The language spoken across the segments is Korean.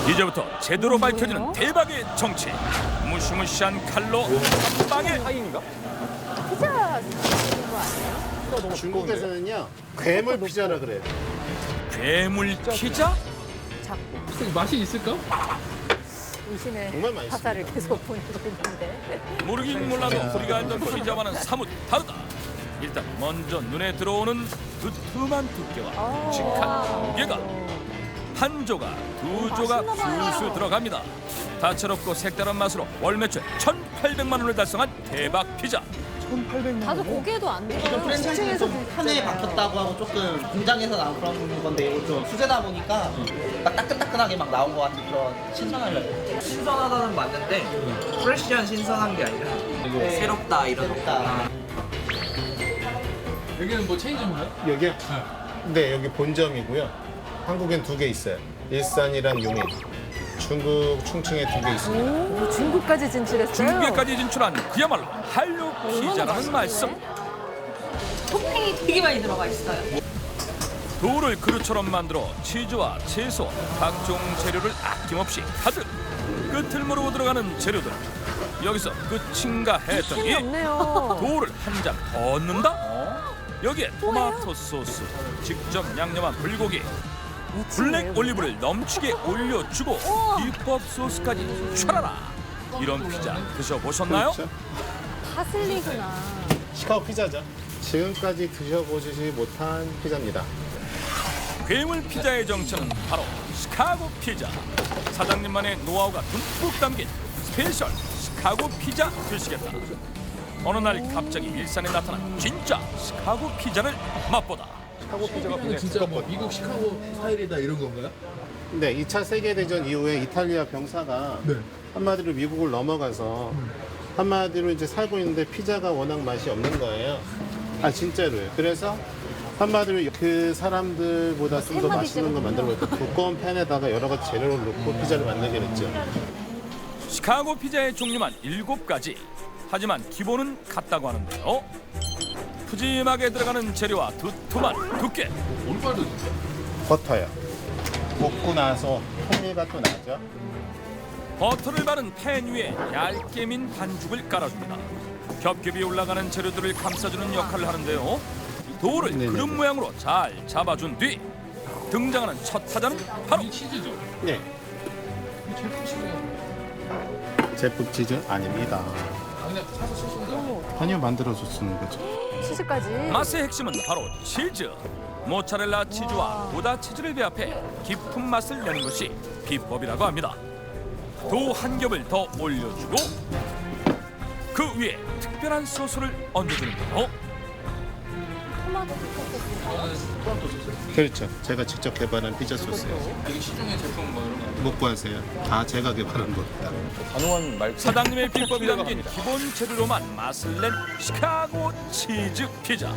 이제부터 제대로 밝혀지는 대박의 정체. 무시무시한 칼로 한 방에 피자 드시는 거 아니에요? 중국에서는요 괴물 피자라 그래요. 괴물 피자? 자꾸 맛이 있을까? 의심의 정말 맛있습니다. 화살을 계속 보내고 있는데. 모르긴 몰라도 우리가 알던 피자와는 사뭇 다르다. 일단 먼저 눈에 들어오는 두툼한 두께와 묵직한 무게가 한 조각, 두 조각 술술 들어갑니다. 다채롭고 색다른 맛으로 월 매출 1,800만 원을 달성한 대박 피자. 다들 고개도 안 이건 들어요. 프랜차이즈는 좀 판에 바뀌었다고 하고 조금 공장에서 나온 그런 건데 이거 좀 수제다 보니까 막 따끈따끈하게 막 나온 것 같은 그런 신선하려고. 신선하다는 맞는데 프레시한 신선한 게 아니라 새롭다 이런 새롭다. 여기는 뭐 체인점인가요? 여기요? 네 여기 본점이고요. 한국엔 2개 있어요. 일산이랑 용인. 중국 충청에 2개 있습니다. 오, 중국까지 진출했어요. 중국에까지 진출한 그야말로 한류 피자라는 말씀. 토핑이 되게 많이 들어가 있어요. 도우를 그릇처럼 만들어 치즈와 채소, 각종 재료를 아낌없이 가득 끝을 모르고 들어가는 재료들. 여기서 끝인가 했더니 없네요. 도우를 한 잔 더 넣는다? 여기에 토마토 소스, 직접 양념한 불고기, 블랙 올리브를 넘치게 올려주고 비법 소스까지 촤라라. 이런 피자 드셔보셨나요? 그렇죠? 파슬리구나. 시카고 피자죠. 지금까지 드셔보시지 못한 피자입니다. 괴물 피자의 정체는 바로 시카고 피자. 사장님만의 노하우가 듬뿍 담긴 스페셜 시카고 피자 드시겠다. 어느 날 갑자기 일산에 나타난 진짜 시카고 피자를 맛보다. 피자는 진짜 뭐 미국 시카고 스타일이다 이런 건가요? 네, 2차 세계대전 이후에 이탈리아 병사가 네. 한마디로 미국을 넘어가서 한마디로 이제 살고 있는데 피자가 워낙 맛이 없는 거예요. 아 진짜로요. 그래서 한마디로 그 사람들보다 좀 더 맛있는 거 만들어볼까 두꺼운 팬에다가 여러 가지 재료를 넣고 피자를 만들게 됐죠. 시카고 피자의 종류만 7가지. 하지만 기본은 같다고 하는데요. 푸짐하게 들어가는 재료와 두툼한 두께. 올빨도 버터요. 볶고 나서 풍미가 또 나죠. 버터를 바른 팬 위에 얇게 민 반죽을 깔아줍니다. 겹겹이 올라가는 재료들을 감싸주는 역할을 하는데요. 도우를 네네네. 그릇 모양으로 잘 잡아준 뒤 등장하는 첫 타자는 바로 이 치즈죠? 네, 이 제품 치즈가 제품 치즈 아닙니다. 그냥 사서 쓰신 거 아니요, 만들어서 쓰는 거죠. 치즈까지. 맛의 핵심은 바로 치즈. 모짜렐라 치즈와 고다 치즈를 배합해 깊은 맛을 내는 것이 비법이라고 합니다. 도우 한 겹을 더 올려주고 그 위에 특별한 소스를 얹어주는데요. 토마토 소스. 그렇죠. 제가 직접 개발한 피자 소스예요. 여기 시중에 제품 뭐 이런 거 못 구하세요. 다 제가 개발한 겁니다. 사장님의 비법이 담긴 기본 재료로만 맛을 낸 시카고 치즈 피자.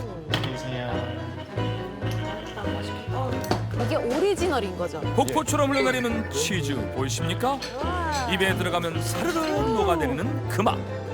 이게 오리지널인 거죠. 폭포처럼 흘러내리는 치즈 보이십니까? 입에 들어가면 사르르 녹아내리는 그 맛.